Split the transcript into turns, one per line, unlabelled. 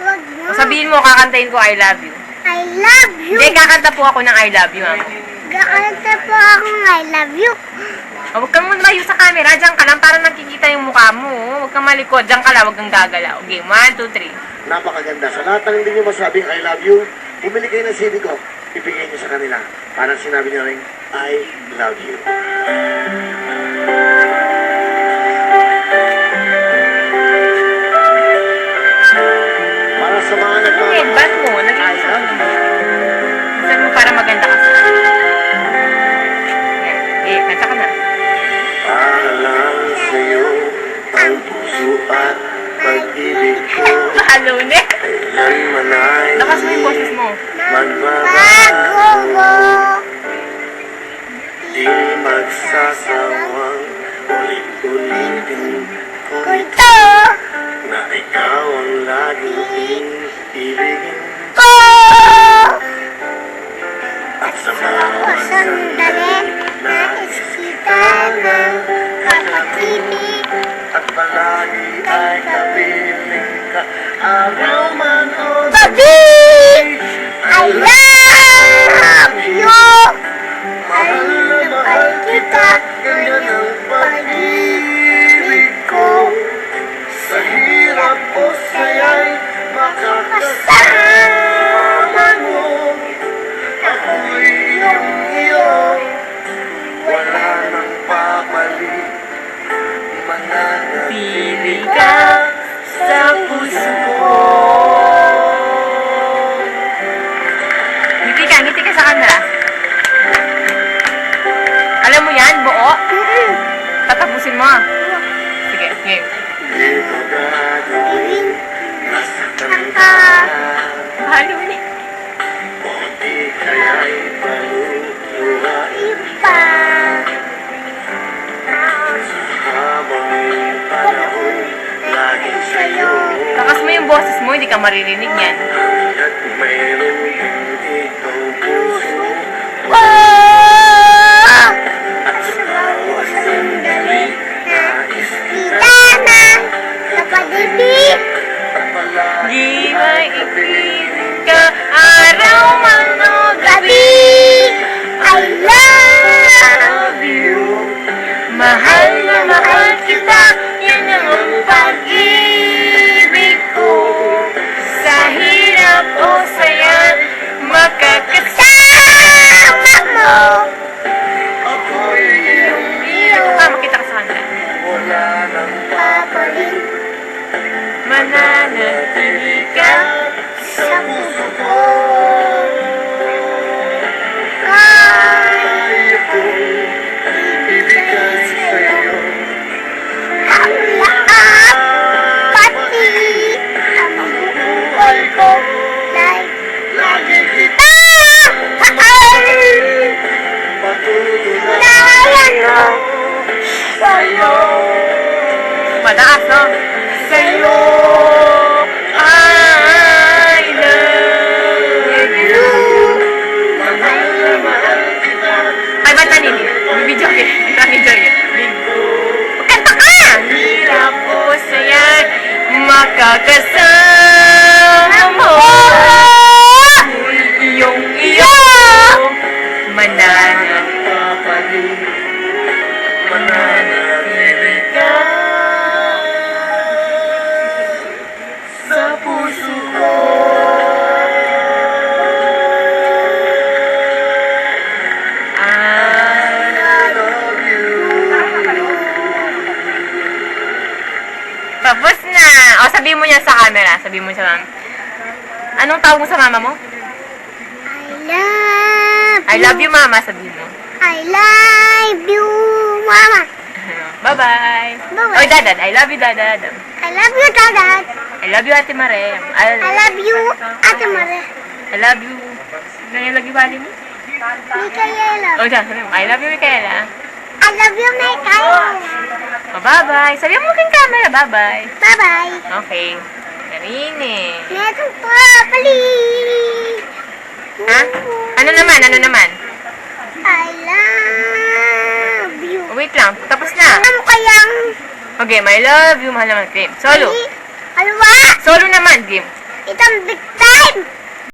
Wag na.
Sabihin mo, kakantahin ko I love you.
I love you.
Hindi, kakanta po ako ng I love you, mama.
Kakanta po akong I love you.
Huwag kang malayo sa camera. Diyan ka lang para nakikita yung mukha mo. Huwag kang malikod. Diyan ka lang. Huwag kang gagalaw. Okay, 1, 2, 3.
Napakaganda. Sa lahat ng hindi nyo masabing I love you, bumili kayo ng CD ko. Ibigay nyo sa kanila. Parang sinabi nyo rin, I love you. Para sa mga
Headband mo.
I love you.
Sabi mo para maganda ka. Yan. Kanta ka na.
Para lang sa'yo ang puso at pag-ibig ko.
Maalone.
Kailanman ay
Lakas mo yung boses mo.
Bago mo.
di magsasawang ulit-ulitin ko
Ito
na ikaw ang laging ibigin
ko.
at sa
Ako
bawat
sandali nais kita ng kapatibig.
at palagi ay kapiling ka araw man o
Gabi, I love you.
mahal na mahal kita ganyan ang pag-ibig ko sa hirap o saya'y makakasama mo ako'y iyong iyo wala nang papalit mananatili ka
Sa puso ko. Ngiti ka sa camera. Alam mo yan, buo? Tatapusin mo. Sige, game.
di ko gagawin nasaktan ka
Maalone.
o di kaya'y paluluhain
Pa.
habang panahon laging sa'yo
Lakas mo yung boses mo, hindi ka maririnig yan.
at mayroon ikaw puso
Oh!
at sa bawat sandali nais kita
Kita na kapatibig.
at palagi
Di maipiling ka, araw man o
Gabi, I love
you
mahal na mahal kita, yan ang pag-ibig ko. Sa hirap o saya,
kasama mo.
ako'y iyong iyo
makita ka sa kanila.
wala nang
Papalit
Mananatili ka.
sa puso ko kaya kong ibigay sa'yo
ang lahat, pati ang buhay ko. Like,
lagi kita
patutunayan mo
sa'yo
Mataas, no? Sa'yo, I love you.
mahal na mahal kita
Ay, ba't naninig? Bibidyo ka. Nabidyo ka. Kanta ka! Hirap o saya, makakasama mo. Iyong iyo,
papalit mananatili ka sa puso ko I love you
Tapos na. O, sabihin mo niya sa camera. Sabihin mo sa mama. Anong tawag mo sa mama mo? I love you, mama. Sabihin mo.
I love you, Mama.
Bye-bye.
Bye-bye.
Oy, dadad. I love you, dadad.
I love you, Dad.
I love you, Ate Mare.
I love you, Ate Mare.
I love you. Ganyan lagi bali mo?
Micaela.
O, dyan. Sabi mo. I love you, Micaela.
I love you, Micaela.
O, bye-bye. Sabi mo kang camera. Bye-bye.
Bye-bye.
Okay. Karine.
Meron pa, pali.
Ha? Ano naman? Ano naman?
I love you.
Wait lang. Tapos na.
Ano kayang...
Okay, my love you. Mahal naman. Game. Solo.
Alwa?
Solo naman. Game.
Ito game!